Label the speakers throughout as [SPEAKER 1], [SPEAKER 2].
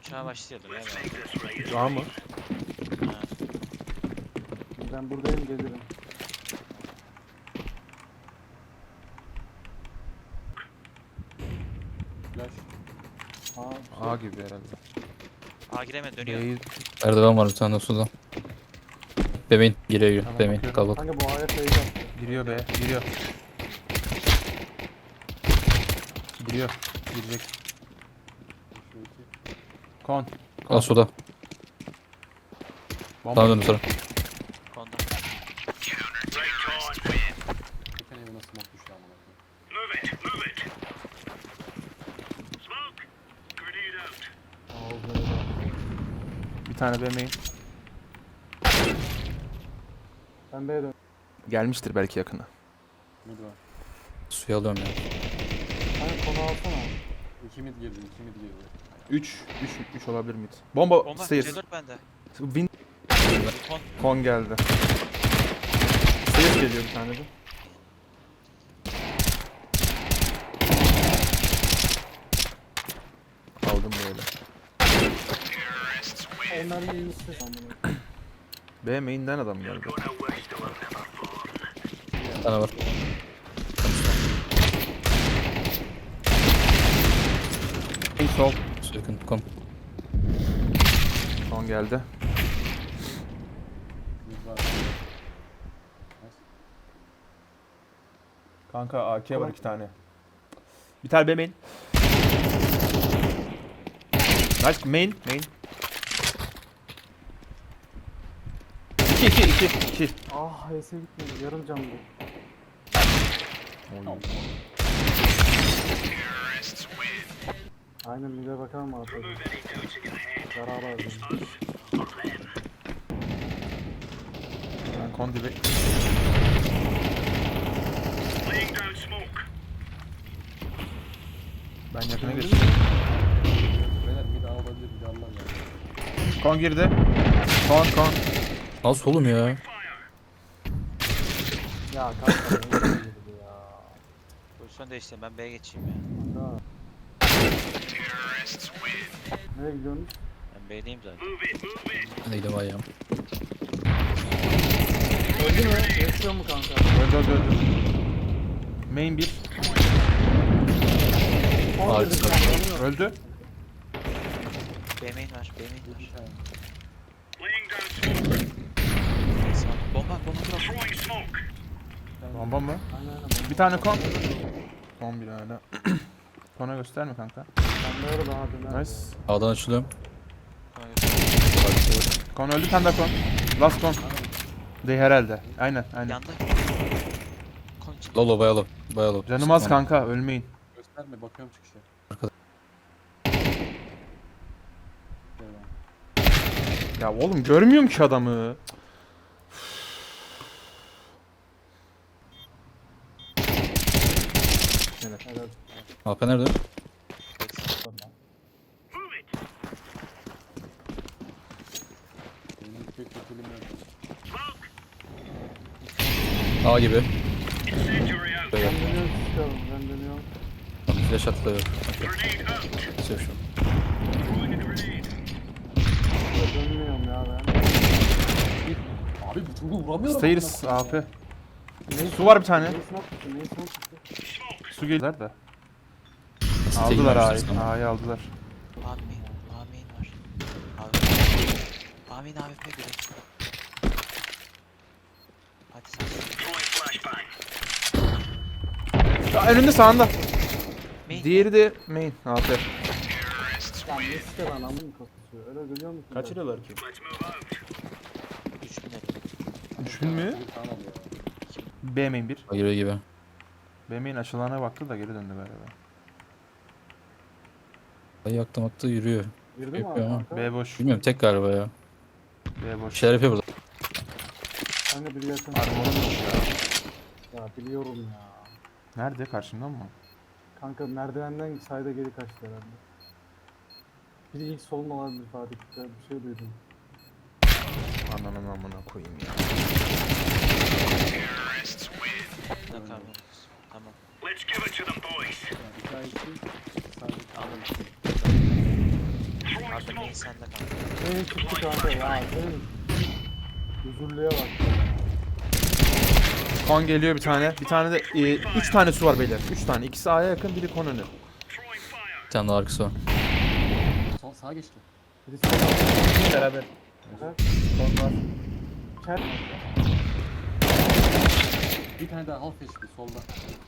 [SPEAKER 1] uçağa başlıyordur ya.
[SPEAKER 2] Şu an mı?
[SPEAKER 1] Ha.
[SPEAKER 3] Ben buradayım, gelirim.
[SPEAKER 4] Flash.
[SPEAKER 3] Aa,
[SPEAKER 2] A gibi herhalde.
[SPEAKER 1] A giremedi, dönüyor.
[SPEAKER 2] B'yi
[SPEAKER 5] Merdiven var bir tane de suda. Bebeğin giriyor.
[SPEAKER 2] Tamam,
[SPEAKER 5] Bebeğin
[SPEAKER 2] bakıyorum.
[SPEAKER 5] kalabalık.
[SPEAKER 3] kanka bu A'ya fake attı.
[SPEAKER 2] giriyor B. Giriyor. Giriyor. Girecek.
[SPEAKER 4] Şu iki.
[SPEAKER 2] Kon.
[SPEAKER 5] Al suda.
[SPEAKER 2] Bomba.
[SPEAKER 5] Sana döndüm sonra.
[SPEAKER 1] Konda.
[SPEAKER 4] Geçen evine smoke düştü amına koyayım.
[SPEAKER 3] Ağzına
[SPEAKER 2] Bir tane B main.
[SPEAKER 3] Ben B'ye dön.
[SPEAKER 2] Gelmiştir belki yakına.
[SPEAKER 4] Mid var.
[SPEAKER 5] Suya alıyorum ya.
[SPEAKER 3] Kanka konu alsana.
[SPEAKER 4] 2 mid girdi, 2 mid girdi.
[SPEAKER 2] 3 olabilir mid. Bomba,
[SPEAKER 1] Bomba
[SPEAKER 2] stairs.
[SPEAKER 1] C4 bende.
[SPEAKER 2] Win
[SPEAKER 1] Kon.
[SPEAKER 2] kon geldi. Stairs geliyor bir tane de. Aldım böyle.
[SPEAKER 3] Onlar iyi ses amına.
[SPEAKER 2] B main'den adam geldi.
[SPEAKER 5] Bir tane var.
[SPEAKER 2] En sol.
[SPEAKER 5] Su yakın. Kom.
[SPEAKER 2] Kon geldi.
[SPEAKER 4] Mid var. Nice.
[SPEAKER 2] Kanka AK var 2 tane. Bir tane B main. Nice main. 2.
[SPEAKER 3] Ah H'se gitmedi. Yarım can bu. Aynen mid'e bakar mı artık? Zarar aldım.
[SPEAKER 2] Ben kon dibe. Ben yakına geçtim.
[SPEAKER 4] Beyler mid A olabilir, mid A'lar ya.
[SPEAKER 2] Kon girdi. Kon.
[SPEAKER 5] Al solum ya.
[SPEAKER 3] Ya kanka ne girdi ya.
[SPEAKER 1] Pozisyon değiştireyim, ben B'ye geçeyim ya.
[SPEAKER 3] Kanka. Nereye gidiyorsunuz?
[SPEAKER 1] Ben B'deyim zaten.
[SPEAKER 5] Ben de gidiyorum ayağım.
[SPEAKER 3] Öldü mü? Yaşıyor mu kanka?
[SPEAKER 2] Öldü. Main 1.
[SPEAKER 5] Harika.
[SPEAKER 2] Öldü.
[SPEAKER 1] B main var, B main var.
[SPEAKER 4] Bir tane.
[SPEAKER 1] Sağ ol. Bomba bırak.
[SPEAKER 2] Bomba mı?
[SPEAKER 3] Aynen.
[SPEAKER 2] Bir tane kon. Kon bir hala. Kona gösterme kanka.
[SPEAKER 3] Ben de orada abi.
[SPEAKER 2] Nice.
[SPEAKER 5] A'dan açılıyorum.
[SPEAKER 2] Kon öldü, tane daha kon. Last kon. Değil herhalde. Aynen.
[SPEAKER 1] Yandı. Kon çık.
[SPEAKER 5] Lolo bayalo. Bayalo.
[SPEAKER 2] Canım az kanka, ölmeyin.
[SPEAKER 4] Gösterme, bakıyorum çıkışa.
[SPEAKER 5] Arkada.
[SPEAKER 4] Eyvallah.
[SPEAKER 2] Ya oğlum görmüyorum ki adamı. Evet.
[SPEAKER 3] Evet.
[SPEAKER 5] AP nerede?
[SPEAKER 4] Benim pek kötülüğüm yok.
[SPEAKER 5] A gibi.
[SPEAKER 3] Ben dönüyorum çıkıyorum. Ben dönüyorum.
[SPEAKER 5] Flash attı da yok. Sev şu.
[SPEAKER 3] Dönmüyorum ya ben.
[SPEAKER 4] Abi bu çocuğu vuramıyorum.
[SPEAKER 2] Stairs AP.
[SPEAKER 3] Neyi
[SPEAKER 2] Su var bir tane.
[SPEAKER 3] Neyi smoke tuttu? Neyi smoke tuttu?
[SPEAKER 2] Su geldiler de.
[SPEAKER 5] Site
[SPEAKER 2] Aldılar
[SPEAKER 5] girmemiştir
[SPEAKER 2] A'yı.
[SPEAKER 5] sana.
[SPEAKER 2] A'yı aldılar.
[SPEAKER 1] A main. A main var. A main AWP göre. Hadi sen.
[SPEAKER 2] Ya önünde, sağında.
[SPEAKER 1] Main.
[SPEAKER 2] Diğeri de main AP.
[SPEAKER 3] Ya ne site lan amın kasıyor? Öyle görüyor musun?
[SPEAKER 2] Kaçırıyorlar ki?
[SPEAKER 1] 3000 lira.
[SPEAKER 2] 3000 mü?
[SPEAKER 4] Bir tane al ya.
[SPEAKER 2] B main 1.
[SPEAKER 5] A giriyor gibi.
[SPEAKER 2] B main açılana baktı da geri döndü galiba.
[SPEAKER 5] Ay yaktım attı yürüyor.
[SPEAKER 3] Girdi mi abi
[SPEAKER 5] Yapıyor ama.
[SPEAKER 3] kanka?
[SPEAKER 2] B boş.
[SPEAKER 5] Bilmiyorum tek galiba ya.
[SPEAKER 2] B
[SPEAKER 5] Bir
[SPEAKER 2] boş.
[SPEAKER 5] şeyler yapıyor burada.
[SPEAKER 3] Ben de biri yakın.
[SPEAKER 2] Armorum yok ya.
[SPEAKER 3] Ya biliyorum ya.
[SPEAKER 2] Nerede? Karşımda mı?
[SPEAKER 3] Kanka merdivenden sayda geri kaçtı herhalde. Biri ilk solun olabilir Fatih. Bir şey duydum.
[SPEAKER 2] Ananın amına koyayım ya.
[SPEAKER 1] Ne kadar Tamam.
[SPEAKER 4] Yani 2 ay 2 sadece
[SPEAKER 1] Aldım.
[SPEAKER 2] AP
[SPEAKER 1] çıktı. Main sende kanka.
[SPEAKER 3] Neyin çıktı kanka ya? Senin huzurluya bak.
[SPEAKER 2] Kon geliyor bir tane. Bir tane de 3 tane su var beyler. 3 tane. İkisi A'ya yakın, biri kon önü.
[SPEAKER 5] Bir tane daha arkası var.
[SPEAKER 4] Sol sağa geçti.
[SPEAKER 3] Birisi de
[SPEAKER 2] Beraber.
[SPEAKER 3] Kon var. Kel.
[SPEAKER 4] Bir tane daha half HP solda.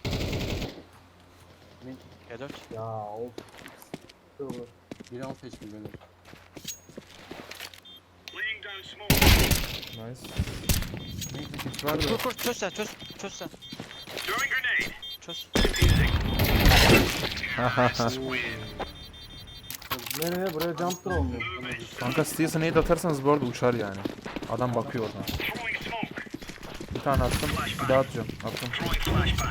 [SPEAKER 1] G4.
[SPEAKER 3] Ya of. Dur.
[SPEAKER 4] Biri half HP böyle.
[SPEAKER 2] Nice.
[SPEAKER 4] Neyse
[SPEAKER 2] Var da.
[SPEAKER 1] Kur çöz sen çöz. Çöz sen. Çöz.
[SPEAKER 3] Nereye? Buraya jump throw mu?
[SPEAKER 2] Kanka Steels'a nade atarsanız bu arada uçar yani. Adam bakıyor oradan. Bir tane attım, bir daha atacağım. Attım.
[SPEAKER 4] sağa geçti.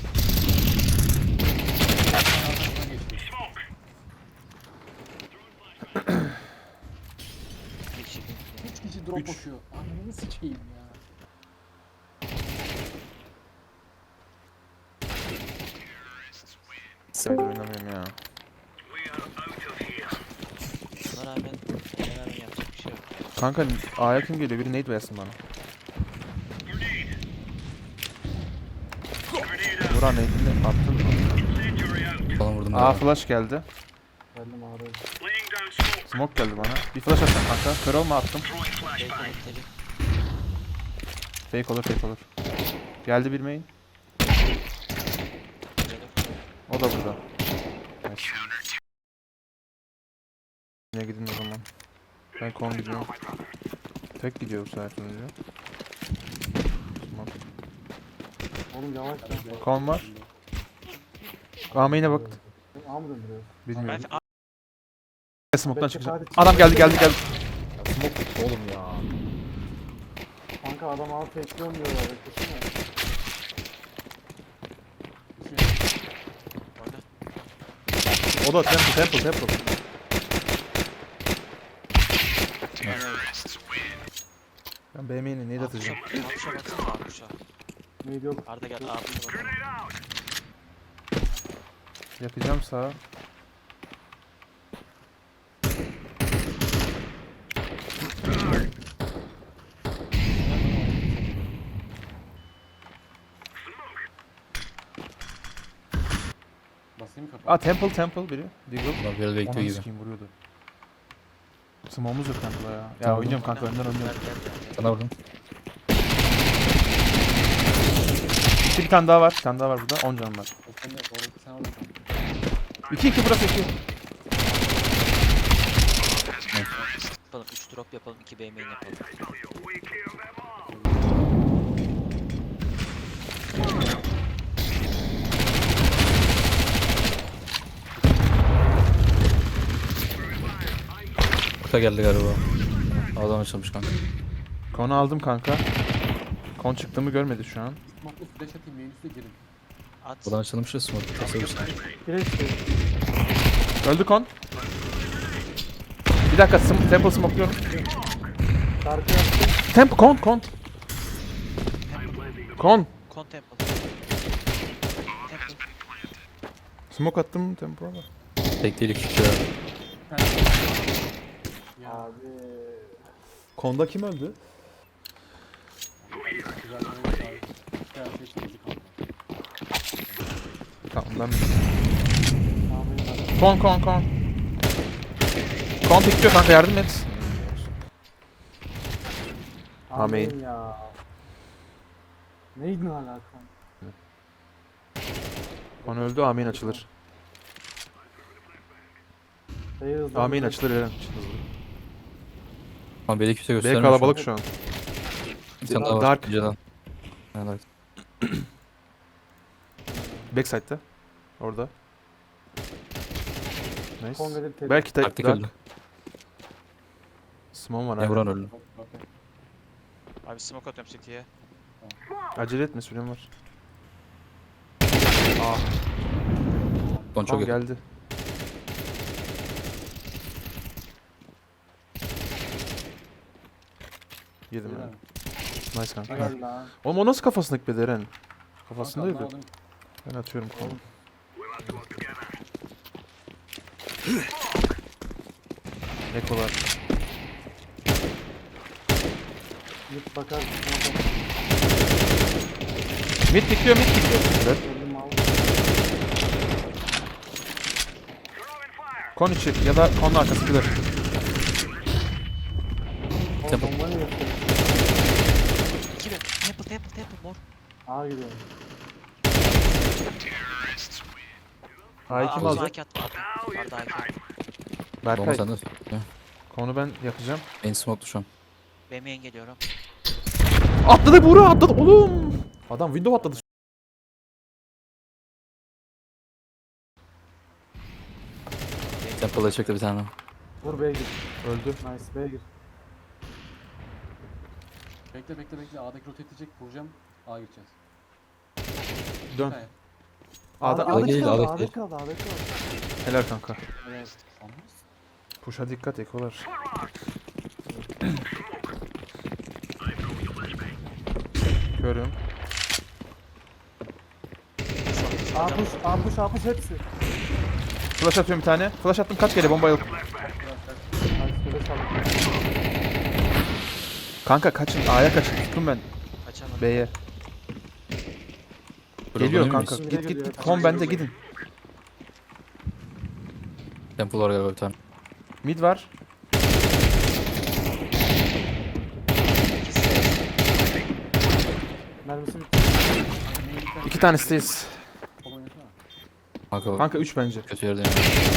[SPEAKER 1] Bir kişi.
[SPEAKER 4] 3 kişi drop bakıyor. Ananı sikeyim ya.
[SPEAKER 2] Sayıda oynamıyorum ya.
[SPEAKER 1] Buna rağmen yapacak bir şey yok.
[SPEAKER 2] Kanka A'ya kim geliyor? Biri nade versin bana. Vuran nade'ini attın.
[SPEAKER 5] Falan vurdum.
[SPEAKER 2] A
[SPEAKER 5] daha.
[SPEAKER 2] flash geldi.
[SPEAKER 3] Geldim ağrıyor.
[SPEAKER 2] Smoke geldi bana. Bir flash atacağım kanka. Kör olma attım.
[SPEAKER 1] Fake connect'leri.
[SPEAKER 2] Fake olur, fake olur. Geldi bir main.
[SPEAKER 1] G4.
[SPEAKER 2] O da burada. Nice. Yine gidin o zaman. Ben kon gidiyorum. Tek gidiyor bu sefer önce. Tamam.
[SPEAKER 3] Oğlum yavaş yavaş.
[SPEAKER 2] Kon var. A main'e baktı.
[SPEAKER 3] A mı döndürüyoruz?
[SPEAKER 2] Bilmiyorum.
[SPEAKER 1] Ben
[SPEAKER 2] Smoke'tan
[SPEAKER 3] Bekle,
[SPEAKER 2] çıkacak.
[SPEAKER 3] hadi çık.
[SPEAKER 2] Adam geldi. Ya smoke oğlum ya.
[SPEAKER 3] Kanka adam A tekliyorum diyorlar. Beklesene.
[SPEAKER 1] orada.
[SPEAKER 2] O da temple. Ben B main'e nade atacağım.
[SPEAKER 1] Akuşa baksana Akuşa.
[SPEAKER 3] Neydi yok.
[SPEAKER 1] Arda gel Akuşa bakalım.
[SPEAKER 2] Yakacağım sağa.
[SPEAKER 4] Basayım kapağı.
[SPEAKER 2] Aa temple biri. Deagle.
[SPEAKER 5] Bunlar böyle bekliyor
[SPEAKER 2] Ananı
[SPEAKER 5] gibi.
[SPEAKER 2] sikeyim vuruyordu. Smoke'umuz yok temple'a ya. Ya
[SPEAKER 5] Tamam.
[SPEAKER 2] oynayacağım kanka önden
[SPEAKER 1] Gel
[SPEAKER 2] oynuyorum.
[SPEAKER 1] gel.
[SPEAKER 5] Sana vurdum.
[SPEAKER 2] Bir tane daha var. Bir tane daha var burada. 10 canım var.
[SPEAKER 4] Sen de sen orada kal.
[SPEAKER 2] 2 burası 2.
[SPEAKER 1] Yapalım 3 drop yapalım 2 B main yapalım.
[SPEAKER 5] Kuta geldi galiba. Adam açılmış kanka.
[SPEAKER 2] Konu aldım kanka. Kon çıktığımı görmedi şu an.
[SPEAKER 4] Smoke'lu flash atayım main üstüne girin.
[SPEAKER 1] At.
[SPEAKER 5] Buradan açılmış ya smoke. Tasarruf.
[SPEAKER 3] Kireç şey.
[SPEAKER 2] Öldü kon. Bir dakika temple smokluyorum.
[SPEAKER 3] Şarkı yaptım.
[SPEAKER 2] Temple kon. Kon.
[SPEAKER 1] Con temple. Temple.
[SPEAKER 2] Smoke attım temple'a bak.
[SPEAKER 5] Tek değil 2 kişi var.
[SPEAKER 4] Ya
[SPEAKER 3] Abi.
[SPEAKER 2] Konda kim öldü?
[SPEAKER 4] güzel oyun abi. Her şey çekildi kaldı.
[SPEAKER 2] Tamam ben
[SPEAKER 3] Amin.
[SPEAKER 2] Kon. Kon pikliyor kanka yardım et. Amin.
[SPEAKER 3] Amin ya. Neydi alaka?
[SPEAKER 2] Kon öldü amin açılır. Amin açılır Eren.
[SPEAKER 5] Ama B'de kimse
[SPEAKER 2] B
[SPEAKER 5] göstermiyor.
[SPEAKER 2] kalabalık şu an.
[SPEAKER 5] Bir tane daha var.
[SPEAKER 2] Dark.
[SPEAKER 5] Önceden. Evet.
[SPEAKER 2] Backside'da. Orada. Nice.
[SPEAKER 3] Kongre'de tek.
[SPEAKER 2] Belki
[SPEAKER 5] Taktik
[SPEAKER 2] Dark.
[SPEAKER 5] öldü.
[SPEAKER 2] Smoke var
[SPEAKER 5] Ne
[SPEAKER 2] abi.
[SPEAKER 5] vuran öldü.
[SPEAKER 4] Okey.
[SPEAKER 1] Abi smoke atıyorum City'ye.
[SPEAKER 2] Acele etme sürem var. Aa,
[SPEAKER 5] Son çok
[SPEAKER 2] kon
[SPEAKER 5] yakın.
[SPEAKER 2] geldi. Yedim
[SPEAKER 4] Beyler,
[SPEAKER 2] ben. Nice kanka.
[SPEAKER 3] Helal lan.
[SPEAKER 2] Oğlum o nasıl kafasına gitmedi Eren?
[SPEAKER 4] kanka
[SPEAKER 2] Kafasındaydı.
[SPEAKER 4] anlamadım.
[SPEAKER 2] Ben atıyorum konu. Ekolar.
[SPEAKER 3] Git bakarsın.
[SPEAKER 2] Mid pikliyor, mid pikliyor. Evet.
[SPEAKER 3] Öldüm al.
[SPEAKER 2] Kon içi ya da konun arkası kıdır.
[SPEAKER 3] O
[SPEAKER 5] Temple.
[SPEAKER 3] bomba ne yapıyor?
[SPEAKER 1] 2 B. Temple mor.
[SPEAKER 3] A gidiyorum.
[SPEAKER 2] A'yı kim
[SPEAKER 1] Aa,
[SPEAKER 2] alacak?
[SPEAKER 1] AK attı. Arda AK.
[SPEAKER 5] Bomba
[SPEAKER 2] Berkay.
[SPEAKER 5] sende.
[SPEAKER 2] Konu ben yakacağım.
[SPEAKER 5] Main smoke'lu şu an.
[SPEAKER 1] B main geliyorum.
[SPEAKER 2] Atladı Buğra, atladı oğlum. Adam window atladı.
[SPEAKER 5] Temple'a çekti bir tane.
[SPEAKER 3] Vur B'ye gir.
[SPEAKER 2] Öldü.
[SPEAKER 3] Nice B'ye gir.
[SPEAKER 4] Bekle bekle bekle. A'daki rotate edecek. Vuracağım. A geçeceğiz.
[SPEAKER 2] Dön.
[SPEAKER 4] Hayır.
[SPEAKER 2] A'da
[SPEAKER 5] A'da değil,
[SPEAKER 3] kaldı,
[SPEAKER 5] A'da
[SPEAKER 3] A'da
[SPEAKER 5] değil.
[SPEAKER 3] kaldı, A'da kaldı.
[SPEAKER 2] helal kanka.
[SPEAKER 3] Evet.
[SPEAKER 4] Sanmaz.
[SPEAKER 2] Push'a dikkat ekolar. Görüyorum.
[SPEAKER 3] A push hepsi.
[SPEAKER 2] Flash atıyorum bir tane. Flash attım, kaç kere bomba yok.
[SPEAKER 3] Nice böyle çaldı.
[SPEAKER 2] Kanka kaçın, A'ya kaçın. Tuttum ben
[SPEAKER 1] Kaçamadım.
[SPEAKER 2] B'ye.
[SPEAKER 5] Bro,
[SPEAKER 2] Geliyor
[SPEAKER 5] bunu
[SPEAKER 2] kanka.
[SPEAKER 5] miyiz?
[SPEAKER 2] Git git. Kon bende, gidin.
[SPEAKER 5] Temple var galiba bir tane.
[SPEAKER 2] Mid var.
[SPEAKER 3] Mermisi bitti.
[SPEAKER 2] 2 tanesiyiz.
[SPEAKER 4] Sol oynasana.
[SPEAKER 5] Kanka,
[SPEAKER 2] Kanka 3 bence.
[SPEAKER 5] kötü yerdeyim.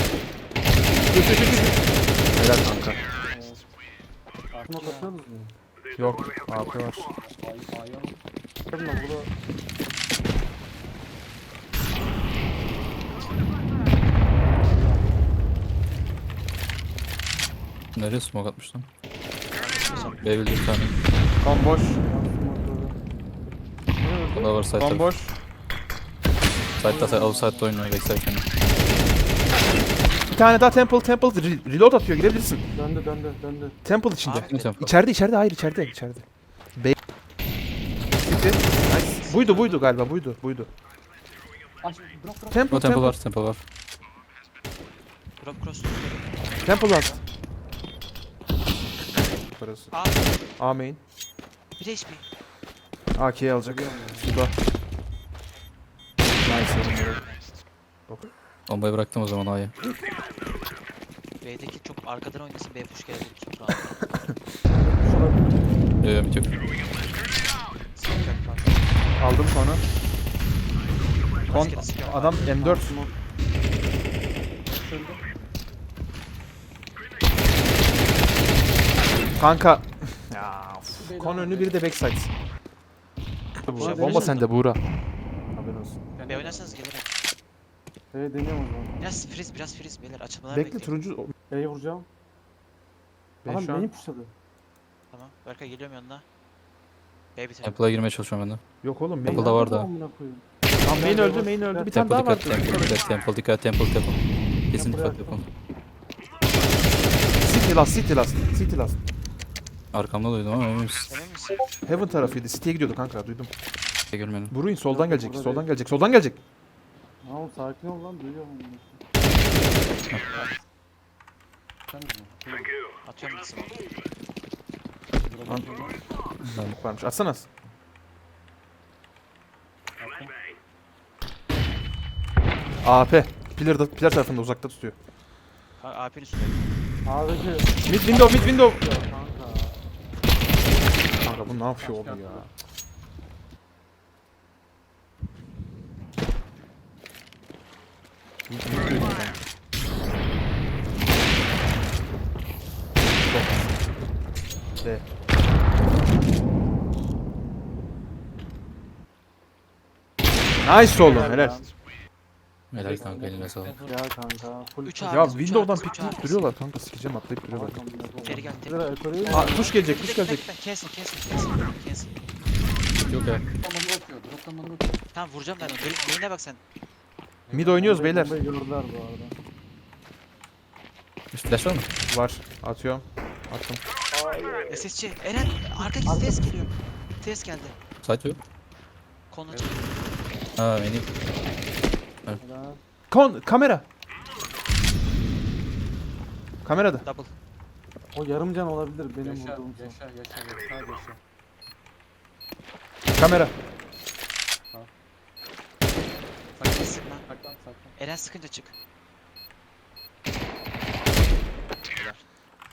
[SPEAKER 2] Helal kanka.
[SPEAKER 3] Smoke atıyoruz mu?
[SPEAKER 2] Yok. AP var.
[SPEAKER 4] A'yı alın.
[SPEAKER 3] Bakın lan bunu.
[SPEAKER 5] Nereye smoke atmış lan? B bildi bir tane.
[SPEAKER 2] Kon boş.
[SPEAKER 5] O da var side
[SPEAKER 2] Kon
[SPEAKER 5] tarafı.
[SPEAKER 2] boş.
[SPEAKER 5] Side'da outside'da oynuyor backside kendi.
[SPEAKER 2] Bir tane daha temple. Reload atıyor, girebilirsin.
[SPEAKER 3] Döndü.
[SPEAKER 2] Temple içinde.
[SPEAKER 1] Abi,
[SPEAKER 5] Temple.
[SPEAKER 2] İçeride, hayır içeride. B. City. Nice. Buydu galiba, buydu.
[SPEAKER 4] Aç. Drop.
[SPEAKER 2] Temple,
[SPEAKER 5] O temple var, temple var.
[SPEAKER 1] Drop cross.
[SPEAKER 2] Temple last. Parası.
[SPEAKER 1] A.
[SPEAKER 2] A main.
[SPEAKER 1] 1 HP.
[SPEAKER 2] AK'yi alacak. Suda. Nice oğlum.
[SPEAKER 5] Bombayı bıraktım o zaman A'ya.
[SPEAKER 1] B'deki çok arkadan oynasın. B push gelebilir. Çok rahat.
[SPEAKER 5] Mid yok.
[SPEAKER 2] Aldım sonra. Kon
[SPEAKER 1] Maskede sıkıyor.
[SPEAKER 2] adam M4. Kanka. Ya, of. Kon önü, biri de backside. Buğra, bomba sende Buğra. Haberin olsun.
[SPEAKER 1] B oynarsanız gelirim.
[SPEAKER 3] B'ye deniyorum o zaman.
[SPEAKER 1] Biraz freeze beyler. Açılmalar
[SPEAKER 2] Bekle,
[SPEAKER 1] bekleyin.
[SPEAKER 2] turuncu.
[SPEAKER 3] B'ye vuracağım.
[SPEAKER 2] Ben
[SPEAKER 3] Adam
[SPEAKER 2] şu an
[SPEAKER 3] beni pushladı.
[SPEAKER 1] Tamam. Berkay geliyorum yanına. B bitirelim.
[SPEAKER 5] Temple'a girmeye çalışıyorum ben de.
[SPEAKER 2] yok oğlum.
[SPEAKER 5] Temple
[SPEAKER 2] Main,
[SPEAKER 5] da var da.
[SPEAKER 3] Amına koyayım.
[SPEAKER 2] Tamam, main öldü. Bir tane
[SPEAKER 5] Temple
[SPEAKER 2] daha var.
[SPEAKER 5] dikkat, temple dikkat. Kesin
[SPEAKER 3] Temple
[SPEAKER 5] dikkat yapalım.
[SPEAKER 2] City last.
[SPEAKER 5] Arkamda duydum ama emin misin?
[SPEAKER 1] Emin misin?
[SPEAKER 2] Heaven tarafıydı. City'ye gidiyordu kanka, duydum.
[SPEAKER 5] Görmedim.
[SPEAKER 2] Buruin soldan
[SPEAKER 3] Yok,
[SPEAKER 2] gelecek.
[SPEAKER 3] burada
[SPEAKER 2] Soldan gelecek.
[SPEAKER 3] Tamam sakin ol lan duyuyorum.
[SPEAKER 4] Sen mi?
[SPEAKER 1] Atıyorum gitsin.
[SPEAKER 2] Lan. Varmış. Atsana. AP. Pillar tarafında, uzakta tutuyor.
[SPEAKER 1] AP'nin üstünde.
[SPEAKER 3] A'daki
[SPEAKER 2] Mid window.
[SPEAKER 3] kanka.
[SPEAKER 2] Kanka bu ne yapıyor oğlum ya? D. Nice oğlum, helal.
[SPEAKER 5] Helal kanka eline sağlık.
[SPEAKER 3] Ya kanka. Full
[SPEAKER 1] 3
[SPEAKER 2] Ya
[SPEAKER 1] A.
[SPEAKER 2] window'dan pikleyip duruyorlar kanka, sikeceğim, atlayıp duruyorlar.
[SPEAKER 1] Geri gel, tek.
[SPEAKER 2] Aa, push gelecek.
[SPEAKER 1] Cancel.
[SPEAKER 5] Yok ya.
[SPEAKER 4] Drop'tan bana bakıyor. Drop'tan bana bakıyor.
[SPEAKER 1] Tamam vuracağım ben onu. Main'e bak sen.
[SPEAKER 2] Mid oynuyoruz beyler.
[SPEAKER 3] Bombayı gördüler bu arada.
[SPEAKER 5] Flash var mı?
[SPEAKER 2] Var, atıyorum. Attım.
[SPEAKER 1] SSC. Eren arkadaki ses geliyor. Ses geldi.
[SPEAKER 5] Site yok.
[SPEAKER 1] Konu açık.
[SPEAKER 5] Ha beni.
[SPEAKER 3] Helal.
[SPEAKER 2] Kamera. Kamerada.
[SPEAKER 1] Double.
[SPEAKER 3] O yarım can olabilir benim
[SPEAKER 4] Yaşa,
[SPEAKER 3] vurduğum son.
[SPEAKER 4] yaşa, yaşa, yaşa, sadece yaşa.
[SPEAKER 2] Kamera.
[SPEAKER 1] Sakın sıkma.
[SPEAKER 4] Saklan, saklan.
[SPEAKER 1] Eren sıkınca çık.